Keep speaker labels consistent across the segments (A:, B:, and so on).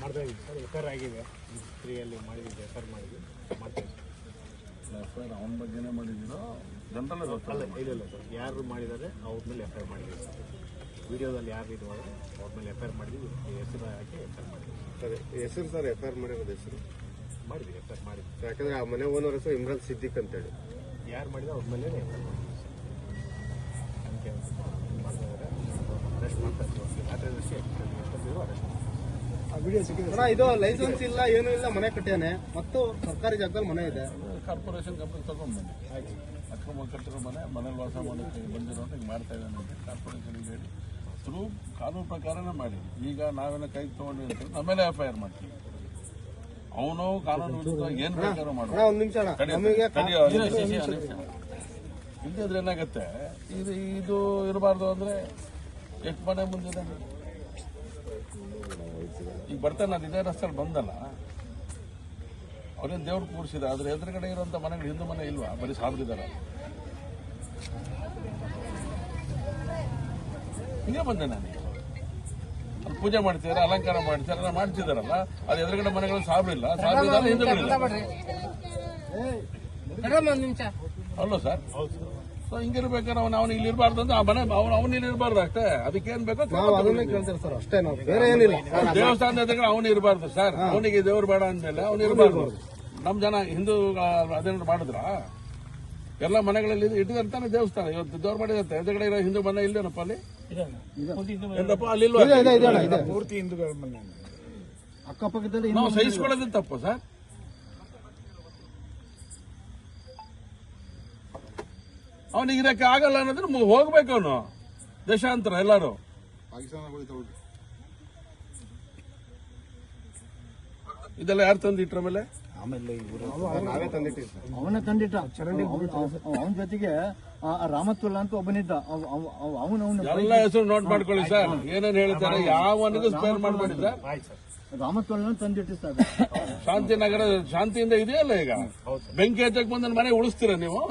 A: ಮಾಡ್ತಾ ಇದ್ದೀವಿ sir. F I R ಆಗಿದೆ, ಫ್ರೀಯಲ್ಲಿ ಮಾಡಿದ್ದೀವಿ, ಎಫ್ ಐ ಆರ್ ಮಾಡಿದ್ವಿ, ಮಾಡ್ತೀವಿ.
B: ಎಫ್ ಐ ಆರ್ ಅವನ ಬಗ್ಗೆನೇ ಮಾಡಿದ್ದೀರೋ ಜನರಲ್
A: ಅಲ್ಲ, ಇಲ್ಲ ಸರ್, ಯಾರು ಮಾಡಿದ್ದಾರೆ ಅವ್ರ ಮೇಲೆ ಎಫ್ ಐ ಆರ್ ಮಾಡಿದ್ದೀವಿ ಸರ್. ವಿಡಿಯೋದಲ್ಲಿ ಯಾರು ಇದು ಮಾಡಿದ್ರೆ ಅವ್ರ ಮೇಲೆ ಎಫ್ ಐ ಆರ್ ಮಾಡಿದ್ವಿ, ಹೆಸರು ಹಾಕಿ ಎಫ್ ಐ ಆರ್ ಮಾಡಿದ್ವಿ
C: ಸರ್. ಹೆಸರು ಸರ್ ಎಫ್ ಐ ಆರ್ ಮಾಡಿರೋದು ಹೆಸರು
A: ಮಾಡಿದ್ವಿ, ಎಫ್ ಐ ಆರ್ ಮಾಡಿದ್ವಿ.
C: ಯಾಕಂದ್ರೆ ಆ ಮನೆ ಓನರ್ ಹೆಸರು ಇಮ್ರಾನ್ ಸಿದ್ದಿಕ್ ಅಂತೇಳಿ.
A: ಯಾರು ಮಾಡಿದ್ರೆ ಅವ್ರ ಮೇಲೆ ಎಫ್ ಐ ಆರ್ ಮಾಡಿದ್ವಿ ಸರ್. ಅದಕ್ಕೆ ಮಾಡ್ತಿದ್ದಾರೆ, ಅರೆಸ್ಟ್ ಮಾಡ್ತಾ ಇದ್ದೀವಿ. ರಾತ್ರಿ ಎಷ್ಟೊತ್ತಿದ್ರು ಅರೆಸ್ಟ್
C: ಇದು ಲೈಸೆನ್ಸ್ ಇಲ್ಲ, ಏನೂ ಇಲ್ಲ, ಮನೆ ಕಟ್ಟ್ಯಾನೆ ಮತ್ತು ಸರ್ಕಾರಿ ಜಾಗದಲ್ಲಿ ಮನೆ ಇದೆ.
B: ಕಾರ್ಪೊರೇಷನ್ ಕಂಪ್ನಿ ತಗೊಂಡ್ಬಂದು ಅಕ್ರಮ ಕಟ್ಟಿರೋ ಮನೇಲಿ ವಾಸ ಮಾಡೋಕ್ಕೆ ಬಂದಿರೋ ಹಿಂಗೆ ಮಾಡ್ತಾ ಇದ್ದಾನೆ ಅಂತ ಕಾರ್ಪೊರೇಷನ್ಗೆ ಹೇಳಿ ಥ್ರೂ ಕಾನೂನು ಪ್ರಕಾರನೇ ಮಾಡಿ. ಈಗ ನಾವೇನೋ ಕೈಗೆ ತೊಗೊಂಡು ಅಂತ ನಮ್ಮೇಲೆ ಎಫ್ ಐ ಆರ್ ಮಾಡ್ತೀವಿ. ಅವನು ಕಾನೂನು ವಿರುದ್ಧ ಏನ್ ಬೇಕಾದ್ರೂ ಮಾಡುವ.
C: ಒಂದು ನಿಮಿಷ
B: ಇಲ್ದಿದ್ರೆ ಏನಾಗತ್ತೆ, ಇದು ಇರಬಾರ್ದು ಅಂದ್ರೆ ಎಷ್ಟು ಮನೆ ಮುಂದಿದೆ. ಈಗ ಬರ್ತಾನೆ, ಅದು ಇದೇ ರಸ್ತೆಯಲ್ಲಿ ಬಂದಲ್ಲ, ಅವ್ರೇನು ದೇವ್ರು ಕೂರಿಸಿದ, ಅದ್ರ ಎದುರುಗಡೆ ಇರುವಂತ ಮನೆಗಳು ಹಿಂದೂ ಮನೆ ಇಲ್ವಾ, ಬರೀ ಸಾಬ್ರಿದಾರ. ಹಿಂಗೆ ಬಂದೆ ನಾನು. ಅಲ್ಲಿ ಪೂಜೆ ಮಾಡ್ತಿದಾರೆ, ಅಲಂಕಾರ ಮಾಡ್ತಿದಾರೆ, ಮಾಡ್ತಿದಾರಲ್ಲ, ಅದು ಎದುರುಗಡೆ ಮನೆಗಳು ಸಾಬ್ರಿಲ್ಲ, ಸಾಬ್ರಿದಾರ ಹಿಂದೂಗಳಿಲ್ಲ. ಅಲ್ಲೋ ಸರ್, ಸೊ ಹಿಂಗಿರ್ಬೇಕಾದ್ರೆ ಅವನು ಇಲ್ಲಿ ಇರಬಾರ್ದು ಅಂದ್ರೆ ಆ ಮನೆ ಅವನು ಇಲ್ಲಿ ಇರಬಾರ್ದು ಅಷ್ಟೇ. ಅದಕ್ಕೇನ್ ಬೇಕೋ
C: ಸರ್ ಅಷ್ಟೇ, ನಾವು ಬೇರೆ ಏನಿಲ್ಲ.
B: ದೇವಸ್ಥಾನದ ಎದುರುಗಡೆ ಅವನು ಇರಬಾರ್ದು ಸರ್. ಅವನಿಗೆ ದೇವ್ರು ಬೇಡ ಅಂದ್ಮೇಲೆ ಅವನು ಇರಬಾರ್ದು. ನಮ್ ಜನ ಹಿಂದೂ ಅದೇನಾದ್ರು ಮಾಡಿದ್ರ ಎಲ್ಲ ಮನೆಗಳಲ್ಲಿ ಇಟ್ಟಿರ್ತಾನೆ ದೇವಸ್ಥಾನ. ಇವತ್ತು ದೇವ್ರು ಮಾಡಿದಂತೆ ಎದುರುಗಡೆ ಇರೋ ಹಿಂದೂ ಮನೆ ಇಲ್ಲೇನಪ್ಪ ಅಲ್ಲಿ? ಏನಪ್ಪ ಅಲ್ಲಿ
A: ಪೂರ್ತಿ ಹಿಂದೂಗಳ ಮನೆ
C: ಅಕ್ಕಪಕ್ಕದಲ್ಲಿ
B: ನಾವು ಸಹಿಸ್ಕೊಳ್ಳೋದು ತಪ್ಪು ಸರ್. ಅವನಿಗೆ ಇರಕ್ಕೆ ಆಗಲ್ಲ ಅನ್ನೋದ್ರೆ ಹೋಗ್ಬೇಕು. ಅವನು ದೇಶಾಂತರ ಎಲ್ಲಾರು ಇದೆಲ್ಲ ಯಾರು ತಂದಿಟ್ರ ಮೇಲೆ
C: ಅವನೇ ತಂದಿಟ್ಟ. ಅವನ ಜೊತೆಗೆ ರಾಮತ್ವಲ್ಲ ಅಂತ ಒಬ್ಬನಿದ್ದ.
B: ಎಲ್ಲ ಹೆಸರು ನೋಟ್ ಮಾಡ್ಕೊಳ್ಳಿ ಸರ್. ಏನೇನು ಹೇಳ್ತಾರೆ, ಯಾವನಿಗೂ ಸ್ಪೇರ್ ಮಾಡಬೇಡಿ ಸರ್.
C: ರಾಮತ್ವಲ್ಲ ತಂದಿಟ್ಟು ಸರ್.
B: ಶಾಂತಿನಗರ ಶಾಂತಿಯಿಂದ ಇದೆಯಲ್ಲ, ಈಗ ಬೆಂಕಿ ಹಚ್ಚಕ್ ಬಂದ ಮನೆ ಉಳಿಸ್ತೀರ ನೀವು?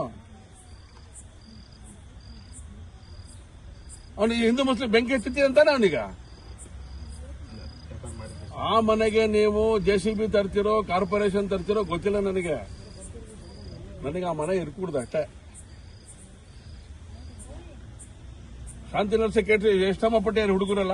B: ಅವನಿಗೆ ಹಿಂದೂ ಮುಸ್ಲಿಂ ಬೆಂಕಿ ಹಚ್ಚುತ್ತೀರ ಅಂತಾನೆ ಅವನೀಗ. ಆ ಮನೆಗೆ ನೀವು JCB ತರ್ತಿರೋ ಕಾರ್ಪೊರೇಷನ್ ತರ್ತಿರೋ ಗೊತ್ತಿಲ್ಲ ನನಗೆ ಆ ಮನೆ ಇರ್ಕೂಡ್ದು ಅಷ್ಟೇ. ಶಾಂತಿನಗರ ಸೆಕ್ರೆಟರಿ ಎಷ್ಟಮ್ಮ ಪಟ್ಟಿಯಾರು ಹುಡುಗರಲ್ಲ,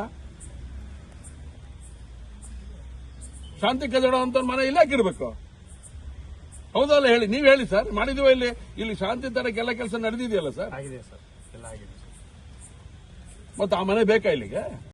B: ಶಾಂತಿ ಕದಡ ಅಂತ ಮನೆ ಇಲ್ಲ ಹಾಕಿರ್ಬೇಕು. ಹೌದಲ್ಲ ಹೇಳಿ, ನೀವ್ ಹೇಳಿ ಸರ್. ಮಾಡಿದೀವ ಇಲ್ಲಿ ಶಾಂತಿ ತರಕ್ಕೆ ಎಲ್ಲ ಕೆಲಸ ನಡೆದಿದೆಯಲ್ಲ ಸರ್?
A: ಆಗಿದೆ ಸರ್, ಎಲ್ಲ ಆಗಿದೆ.
B: ಮತ್ತೆ ಆ ಮನೆ ಬೇಕಾ ಇಲ್ಲಿಗೆ?